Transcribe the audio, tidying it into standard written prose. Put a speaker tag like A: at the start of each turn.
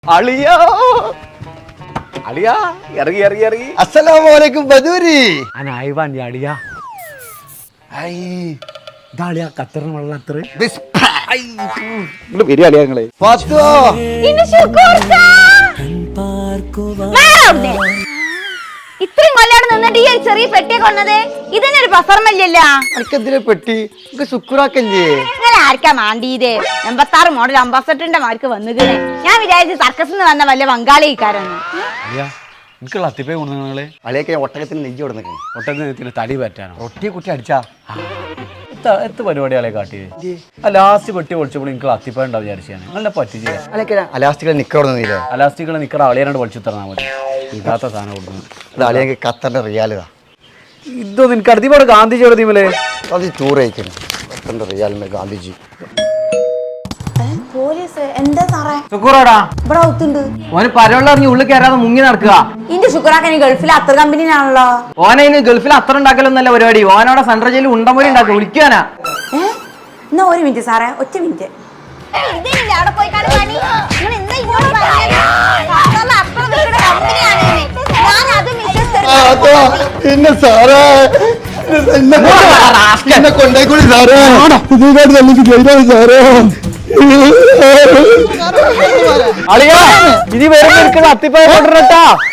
A: അളിയാ അളിയാ ഇറങ്ങി ഇറങ്ങി ഇറങ്ങി.
B: അസ്സലാമലൈക്കും ബദൂരി.
A: അനായിവാൻ അളിയാ. ഐ ഇതാളിയാ ഖത്തറിന് വെള്ളം അത്ര നിങ്ങൾ വരിക അളിയാ നിങ്ങളെ.
C: ഇത്രയും കൊല്ലാണ് നിന്നിട്ട് ഈ ഒരു ചെറിയ പെട്ടിയെ കൊണ്ടത് ഇതിനൊരു ഒരു പ്രസർമല്ലല്ലോ.
B: എനിക്കെന്തിനാ പെട്ടി ശുക്രാക്കല്ലേ?
C: നിങ്ങൾ ആർക്കാ മാണ്ടീത്? 86 മോഡൽ അംബാസഡറിന്റെ മാർക്ക് വന്നുകണേ. ഞാൻ വിചാരിച്ചു സർക്കസിൽ നിന്ന് വന്ന വല്ല ബംഗാളിക്കാരൊന്നും.
A: എനിക്കുള്ള അത്തിപ്പേ കൊണ്ടു നിങ്ങള്
B: അളിയൊക്കെ ഒട്ടകത്തിന് നെഞ്ചി കൊടുന്നേ.
A: ഒട്ടകത്തിന് തടി പറ്റാനോ?
B: ഒട്ടിയെ കുട്ടി അടിച്ചാ
A: എത്ര പരിപാടികളെ കാട്ടിയത്? ആ ലാസ്റ്റ് പെട്ടി പൊളിച്ചപ്പോൾ എനിക്ക് അത്തിപ്പേ ഉണ്ടാവും വിചാരിച്ചാണ്. നല്ല പറ്റിച്ച്
B: അളിയൊക്കെ അലാസ്റ്റിക്കൽ നിക്കറൊന്നുമില്ല.
A: അലാസ്റ്റിക്കുള്ള നിക്കറ അളിയാനായിട്ട് പൊളിച്ചു തന്നാൽ മതി. ഇതാത്ത സാധനം കൊടുക്കുന്നു.
B: അത് അളിയൊക്കെ ഖത്തറിന്റെ റിയാലിതാ.
A: ഇതൊന്നും എനിക്ക് അടുത്തിപ്പാട് ഗാന്ധിജി എഴുതിമല്ലേ
B: അത് ടൂർ അയക്കുന്നു. ഖത്തറിന്റെ റിയാലിന്റെ ഗാന്ധിജി.
C: പോലീസ് എന്താ സാറേ
D: ശുക്കൂറാടാ
C: ഇവിടെ ഒത്തുണ്ട്.
D: ഓന് പരവെള്ളറിഞ്ഞ് ഉള്ളിൽ കയറാതെ മുങ്ങി നടക്കുക.
C: ഇന്റെ ശുക്രാക്കൻ ഗൾഫിലെ അത്ര കമ്പനിയാണല്ലോ.
D: ഓനെ ഇന്ന് ഗൾഫിൽ അത്ര ഉണ്ടാക്കലൊന്നല്ല പരിപാടി. ഓനോടെ സെൻട്രൽ ജയിലിൽ ഉണ്ടമൊഴി ഉണ്ടാക്കുക. വിളിക്കാനാ.
C: എന്നാ ഒരു മിനിറ്റ് സാറേ, ഒറ്റ മിനിറ്റ്.
B: പിന്നെ സാറേ എന്നെ കൊണ്ടേക്കൂടി സാറേ. സാറേ
A: അളിയാ ഇനി വരുമ്പോ അത്തിപ്പേ കൊണ്ടിട്ടാ.